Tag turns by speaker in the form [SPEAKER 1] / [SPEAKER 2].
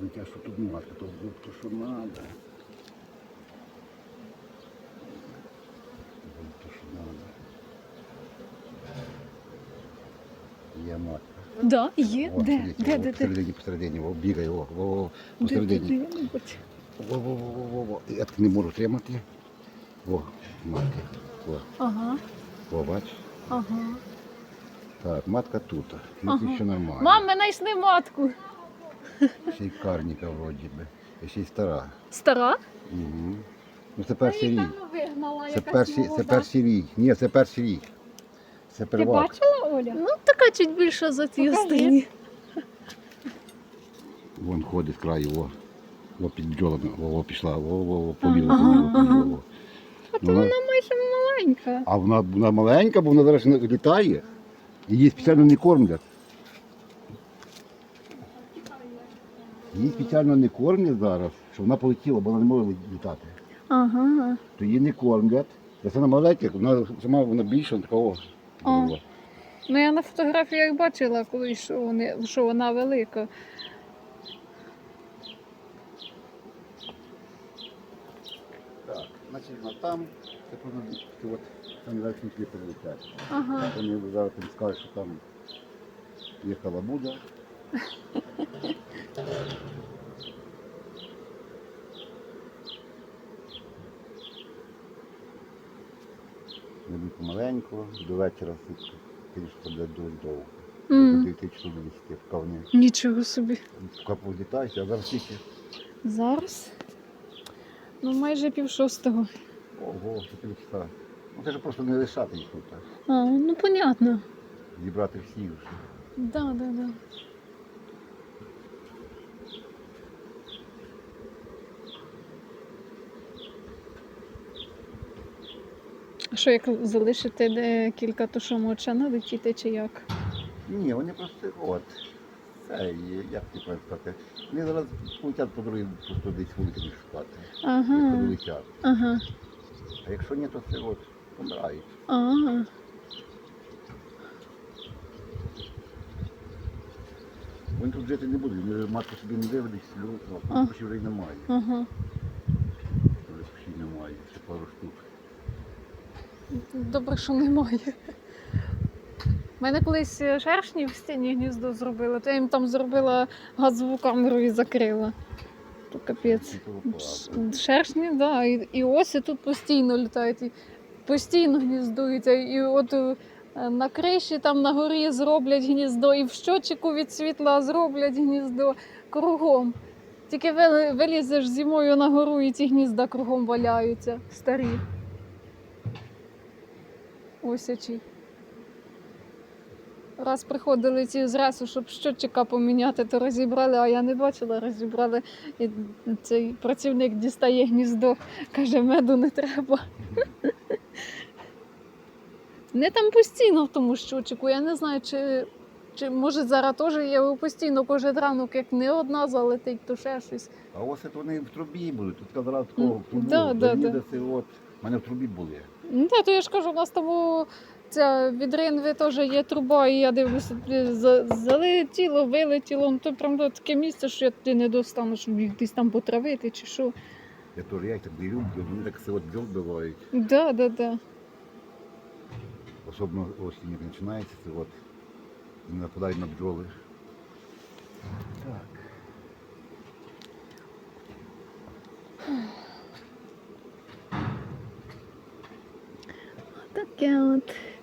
[SPEAKER 1] Дитя, що тут матка, то що треба. То що треба. Є матка.
[SPEAKER 2] Да, є.
[SPEAKER 1] О,
[SPEAKER 2] Де? Де?
[SPEAKER 1] Посередині, о, бігає,
[SPEAKER 2] Де?
[SPEAKER 1] посередині.
[SPEAKER 2] Я не бачу.
[SPEAKER 1] Во. Я так не можу тримати. О, матка. О,
[SPEAKER 2] Ага,
[SPEAKER 1] бач.
[SPEAKER 2] ага.
[SPEAKER 1] Так, матка тут. Ну,
[SPEAKER 2] Ага.
[SPEAKER 1] це ще нормально.
[SPEAKER 2] Мам, ми знайшли матку.
[SPEAKER 1] Ще й карніка вроді би. І ще й стара.
[SPEAKER 2] Стара?
[SPEAKER 1] Угу. Ну це перший рік.
[SPEAKER 2] Вигнала,
[SPEAKER 1] Це перший рік. Ні, це перший рік. Це
[SPEAKER 3] Ти
[SPEAKER 1] первак.
[SPEAKER 3] бачила, Оля?
[SPEAKER 2] Ну, така чуть більша за ті
[SPEAKER 3] Покажи.
[SPEAKER 2] останні.
[SPEAKER 1] Вон ходить з краю, о під бджолами, о, пішла, побігла,
[SPEAKER 2] Ага,
[SPEAKER 1] побігла.
[SPEAKER 3] От
[SPEAKER 1] Ну,
[SPEAKER 3] вона майже маленька.
[SPEAKER 1] А вона маленька, бо вона зараз не літає. Її спеціально не кормлять. Її спеціально не кормлять зараз, щоб вона полетіла, бо вона не може літати.
[SPEAKER 2] Ага.
[SPEAKER 1] То її не кормлять. Це вона маленька, вона сама вона більша, такого.
[SPEAKER 2] А. Ну, я на фотографіях бачила колись, що вона велика.
[SPEAKER 1] Так, значить вона там, це повинно там верхні кліпи летять.
[SPEAKER 2] Ага.
[SPEAKER 1] Вони зараз тобі скажуть, що там є халабуда. Не помаленьку, до вечора звісно, буде дуже довго. До 9 часов до 10, поки вони
[SPEAKER 2] Нічого собі.
[SPEAKER 1] політають, а зараз тільки.
[SPEAKER 2] Зараз? Ну, майже 5:30.
[SPEAKER 1] Ого, 4 часа. Ну це ж просто не лишати їх тут.
[SPEAKER 2] А, ну понятно.
[SPEAKER 1] Зібрати всі вже.
[SPEAKER 2] Да. А що, як залишити декілька, то що може налетіти чи як?
[SPEAKER 1] Ні, вони просто от. Це як ти правильно сказати. Вони зараз полетять по дорозі, просто десь вулиці шукати. Якщо
[SPEAKER 2] Ага.
[SPEAKER 1] долетять.
[SPEAKER 2] Ага.
[SPEAKER 1] А якщо ні, то це от помирають.
[SPEAKER 2] Ага.
[SPEAKER 1] Вони тут жити не будуть, вони матку собі не виведуть,
[SPEAKER 2] А.
[SPEAKER 1] почти вже й немає.
[SPEAKER 2] Ага.
[SPEAKER 1] Вже почти немає, ще пару штук.
[SPEAKER 2] Добре, що немає. У мене колись шершні в стіні гніздо зробили, то я їм там зробила газову камеру і закрила. То капець. Шершні, так. Да. І оси тут постійно літають, і постійно гніздуються. І от на криші там на горі зроблять гніздо, і в щочику від світла зроблять гніздо кругом. Тільки вилізеш зимою на гору, і ці гнізда кругом валяються, старі. Осячі. Раз приходили ці з ресу, щоб щотчика поміняти, то розібрали, а я не бачила, розібрали. І цей працівник дістає гніздо, каже, меду не треба. Не там постійно в тому щотчику, я не знаю, чи може зараз теж є постійно кожен ранок, як не одна залетить, то ще щось.
[SPEAKER 1] А ось це вони в трубі будуть, тут казала такого в трубу,
[SPEAKER 2] Да.
[SPEAKER 1] завідати, от. У мене в трубі були.
[SPEAKER 2] Ну так, то я ж кажу, у нас тому ця від Ринви теж є труба, і я дивлюся, залетіло, вилетіло, ну то прям таке місце, що я туди не достану, щоб їх десь там потравити чи що.
[SPEAKER 1] Я теж я їх так дивлю, вони так все от бджол бивають.
[SPEAKER 2] Да.
[SPEAKER 1] Особливо осінь як починається, це от вони нападають на бджоли. Так.
[SPEAKER 2] Таке от.